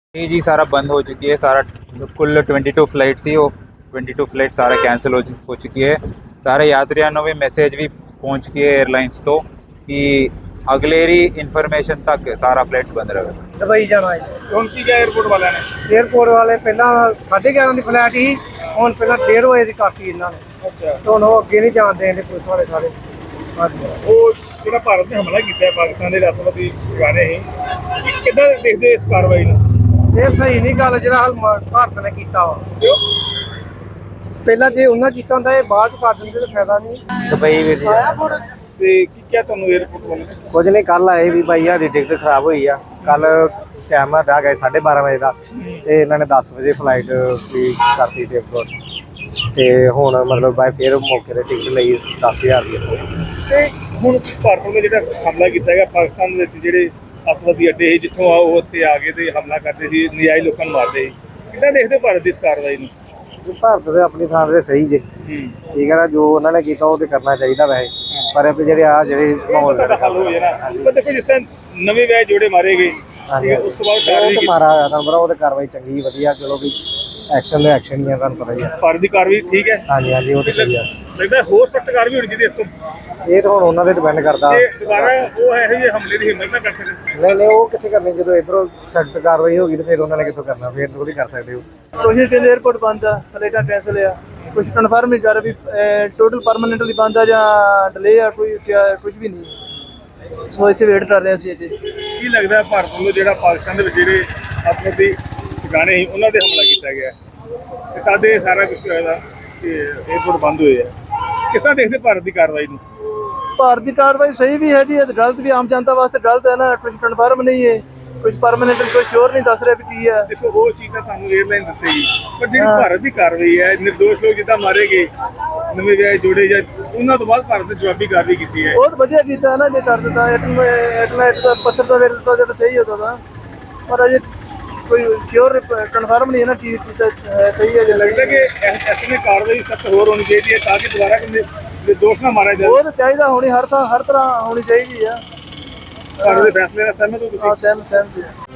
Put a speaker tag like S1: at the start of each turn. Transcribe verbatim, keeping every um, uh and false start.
S1: ये जी सारा बंद हो चुकी है। सारा कुल ट्वेंटी टू फ्लाइट सी वो ट्वेंटी टू फ्लाइट सारा कैंसिल हो, हो चुकी है। सारे यात्रियों में मैसेज भी पहुंच चुकी है एयरलाइंस तो कि अगलेरी इन्फॉर्मेशन तक सारा फ्लाइट्स बंद रहेगा।
S2: दुबई जाना है
S3: ਹੁਣ ਕੀ ਕਿਹਾ 에어ਪੋਰਟ ਵਾਲਿਆਂ ਨੇ?
S2: 에어ਪੋਰਟ ਵਾਲੇ ਪਹਿਲਾਂ ਸਾਢੇ ਗਿਆਰਾਂ ਦੀ ਫਲਾਈਟ ਸੀ, ਹੁਣ ਪਹਿਲਾਂ ਡੇਢ ਵਜੇ ਦੀ ਕਰਤੀ ਇਹਨਾਂ ਨੇ।
S3: ਅੱਛਾ,
S2: ਤੇ ਹੁਣ ਉਹ ਅੱਗੇ ਨਹੀਂ ਜਾਣ ਦੇਣਦੇ ਪੁਲਿਸ ਵਾਲੇ ਸਾਰੇ। ਹਾਂਜੀ,
S3: ਉਹ ਜਿਹੜਾ ਭਾਰਤ ਨੇ ਹਮਲਾ ਕੀਤਾ ਹੈ ਪਾਕਿਸਤਾਨ ਦੇ ਰਾਸ਼ਟਰਪਤੀ ਟਿਕਾਣੇ ਸੀ, ਕਿ ਕਿੱਦਾਂ ਦੇਖਦੇ ਇਸ ਕਾਰਵਾਈ ਨੂੰ?
S2: ਇਹ ਸਹੀ ਨਹੀਂ ਗੱਲ ਜਿਹੜਾ ਹਾਲ ਮ- ਭਾਰਤ ਨੇ ਕੀਤਾ ਵਾ। ਪਹਿਲਾਂ ਜੇ ਉਹਨਾਂ ਕੀਤਾ ਹੁੰਦਾ ਇਹ ਬਾਅਦ ਚ ਕਰ ਦਿੰਦੇ ਤਾਂ ਫਾਇਦਾ ਨਹੀਂ।
S4: ਦੁਬਈ ਵੀਰ ਜੀ
S3: ਤੇ ਕੀ ਕਿਹਾ ਤੁਹਾਨੂੰ 에어ਪੋਰਟ ਵਾਲਿਆਂ ਨੇ?
S4: ਕੁਝ ਨਹੀਂ, ਕੱਲ ਆਏ ਵੀ ਭਾਈ ਸਾਡੀ ਟਿਕਟ ਖਰਾਬ ਹੋਈ ਆ। ਕੱਲ ਟਾਈਮ ਆ ਬਹਿ ਗਏ ਸਾਢੇ ਬਾਰਾਂ ਵਜੇ ਦਾ, ਤੇ ਇਹਨਾਂ ਨੇ ਦਸ ਵਜੇ ਫਲਾਈਟ ਵੀ ਕਰਤੀ ਟਿਕਟ, ਤੇ ਹੁਣ ਮਤਲਬ ਬਾਈ ਫਿਰ ਮੌਕੇ ਤੇ ਟਿਕਟ ਲਈ ਦਸ ਹਜ਼ਾਰ ਦੀ ਇੱਥੋਂ।
S3: ਤੇ ਹੁਣ ਭਾਰਤ ਨੇ ਜਿਹੜਾ ਹਮਲਾ ਕੀਤਾ ਹੈਗਾ ਪਾਕਿਸਤਾਨ ਦੇ ਵਿੱਚ, ਜਿਹੜੇ ਅੱਤਵਾਦੀ ਅੱਡੇ ਸੀ ਜਿੱਥੋਂ ਆ ਉਹ ਉੱਥੇ ਆ ਗਏ ਤੇ ਹਮਲਾ ਕਰਦੇ ਸੀ, ਨਜਾਇਜ਼ ਲੋਕਾਂ ਨੂੰ ਮਾਰਦੇ ਸੀ, ਕਿੱਦਾਂ ਦੇਖਦੇ ਹੋ ਭਾਰਤ ਦੀ ਇਸ ਕਾਰਵਾਈ ਨੂੰ?
S4: ਭਾਰਤ ਦੇ ਆਪਣੀ ਥਾਂ ਤੇ ਸਹੀ ਜੇ, ਠੀਕ ਹੈ ਨਾ, ਜੋ ਉਹਨਾਂ ਨੇ ਕੀਤਾ ਉਹ ਤੇ ਕਰਨਾ ਚਾਹੀਦਾ ਵੈਸੇ, ਪਰ ਇਹ ਜਿਹੜੇ ਆ ਜਿਹੜੇ ਮਾਹੌਲ
S3: ਤੁਹਾਡਾ ਹੱਲ ਹੋ ਜਾਣਾ। ਪਰ ਦੇਖੋ ਜਿਸ ਤਰ੍ਹਾਂ ਨਵੇਂ ਵਿਆਹ ਜੋੜੇ ਮਾਰੇ ਗਏ,
S4: ਹਾਂਜੀ,
S3: ਉਸ ਤੋਂ ਬਾਅਦ
S4: ਉਹ
S3: ਕਾਰਵਾਈ
S4: ਤੇ
S3: ਕੀਤੀ।
S4: ਮਾਰਾ ਹੋਇਆ ਤੁਹਾਨੂੰ ਪਤਾ, ਉਹ ਤੇ ਕਾਰਵਾਈ ਚੰਗੀ ਵਧੀਆ, ਚਲੋ ਵੀ ਐਕਸ਼ਨ ਦੇ ਐਕਸ਼ਨ ਹੀ ਆ, ਤੁਹਾਨੂੰ ਪਤਾ ਹੀ ਆ।
S3: ਭਾਰਤ ਦੀ ਕਾਰਵਾਈ ਠੀਕ ਹੈ,
S4: ਹਾਂਜੀ ਹਾਂਜੀ, ਉਹ ਤੇ ਸਹੀ ਆ।
S3: ਲੱਗਦਾ ਹੋਰ ਸਖਤ ਕਾਰਵਾਈ ਹੋਣੀ ਚਾਹੀਦੀ ਇਸ ਤੋਂ।
S4: ਇਹ ਤਾਂ ਹੁਣ ਉਹਨਾਂ ਤੇ ਡਿਪੈਂਡ ਕਰਦਾ।
S3: ਤੇ ਦੁਬਾਰਾ ਉਹ ਇਹੋ ਜਿਹੇ ਹਮਲੇ ਦੀ ਹਿੰਮਤ ਨਾ ਕਰ ਸਕਦੇ।
S4: ਨਹੀਂ ਨਹੀਂ, ਉਹ ਕਿੱਥੇ ਕਰਨੀ, ਜਦੋਂ ਇਧਰੋਂ ਸਖਤ ਕਾਰਵਾਈ ਹੋ ਗਈ ਤੇ ਫਿਰ ਉਹਨਾਂ ਨੇ ਕਿੱਥੋਂ ਕਰਨਾ, ਫਿਰ ਥੋੜੀ ਕਰ ਸਕਦੇ ਹੋ।
S2: ਕੁਛ ਕਹਿੰਦੇ 에어ਪੋਰਟ ਬੰਦ ਆ, ਫਲਾਈਟਾਂ ਕੈਂਸਲ ਆ, ਕੁਛ ਕਨਫਰਮ ਨਹੀਂ ਕਰ ਵੀ ਟੋਟਲ ਪਰਮਾਨੈਂਟਲੀ ਬੰਦ ਆ ਜਾਂ ਡਿਲੇ ਆ, ਕੋਈ ਕੁਝ ਵੀ ਨਹੀਂ। ਸੋ ਇੱਥੇ ਵੇਟ ਕਰ ਰਹੇ ਸੀ ਅਜੇ।
S3: ਕੀ ਲੱਗਦਾ ਭਾਰਤ ਵੱਲੋਂ ਜਿਹੜਾ ਪਾਕਿਸਤਾਨ ਦੇ ਵਿੱਚ ਜਿਹੜੇ ਅੱਤਵਾਦੀ ਠਿਕਾਣੇ ਸੀ ਉਹਨਾਂ ਤੇ ਹਮਲਾ ਕੀਤਾ ਗਿਆ ਤੇ ਤਦ ਇਹ ਸਾਰਾ ਕੁਝ ਹੋਇਆ ਕਿ 에어ਪੋਰਟ ਬੰਦ ਹੋਏ ਆ? ਕਿਸ ਤਰ੍ਹਾਂ ਦੇਖਦੇ ਭਾਰਤ ਦੀ ਕਾਰਵਾਈ ਨੂੰ?
S2: ਭਾਰਤ ਦੀ ਕਾਰਵਾਈ ਸਹੀ ਵੀ ਹੈ ਜੀ, ਇਹ ਗਲਤ ਵੀ, ਆਮ ਜਨਤਾ ਵਾਸਤੇ ਗਲਤ ਹੈ ਨਾ। ਕੁਝ ਕਨਫਰਮ ਨਹੀਂ ਹੈ, ਕੁਝ ਪਰਮਾਨੈਂਟ, ਕੋਈ ਸ਼ੋਰ ਨਹੀਂ ਦੱਸ ਰਿਹਾ ਵੀ ਕੀ ਹੈ।
S3: ਦੇਖੋ ਉਹ ਚੀਜ਼ ਤਾਂ ਤੁਹਾਨੂੰ 에ਅਰਲਾਈਨ ਦੱਸੇਗੀ, ਪਰ ਜਿਹੜੀ ਭਾਰਤ ਦੀ ਕਾਰਵਾਈ ਹੈ, ਨਿਰਦੋਸ਼ ਲੋਕ ਜਿੱਦਾਂ ਮਾਰੇ ਗਏ, ਨਵੇਂ ਵਿਆਹ ਜੋੜੇ ਜਾਂ ਉਹਨਾਂ ਤੋਂ ਬਾਅਦ ਭਾਰਤ ਨੇ ਜਵਾਬੀ ਕਾਰਵਾਈ ਕੀਤੀ ਹੈ।
S2: ਬਹੁਤ ਵਧੀਆ ਕੀਤਾ ਨਾ, ਜੇ ਕਰ ਦਿੱਤਾ ਐਟਲਾਈਟ ਦਾ ਪੱਥਰ ਦਾ ਵੇਲ ਦਿੱਤਾ ਤਾਂ ਸਹੀ ਹੁੰਦਾ ਤਾਂ, ਪਰ ਅਜੇ ਕੋਈ ਸ਼ੋਰ ਕਨਫਰਮ ਨਹੀਂ ਹੈ ਨਾ ਕੀ ਕੀਤਾ ਸਹੀ ਹੈ। ਜੇ
S3: ਲੱਗਦਾ ਕਿ ਐਸੀ ਕਾਰਵਾਈ ਸਖਤ ਹੋਰ ਹੋਣੀ ਚਾਹੀਦੀ ਹੈ ਤਾਂ ਕਿ ਦੁਬਾਰਾ ਕਿੰਨੇ ਨਿਰਦੋਸ਼ ਨਾ ਮਾਰਿਆ ਜਾਵੇ।
S2: ਉਹ ਤਾਂ ਚਾਹੀਦਾ ਹੋਣੀ, ਹਰ ਥਾਂ ਹਰ ਤਰ੍ਹਾਂ ਹੋਣੀ ਚਾਹੀਦੀ ਆ।
S3: ਭਾਰਤ ਦੇ ਫੈਸਲੇ ਨਾਲ ਸਹਿਮਤ ਹੋ ਤੁਸੀਂ?
S2: ਹਾਂ, ਸਹਿਮ ਸਹਿਮਤ ਹੈ।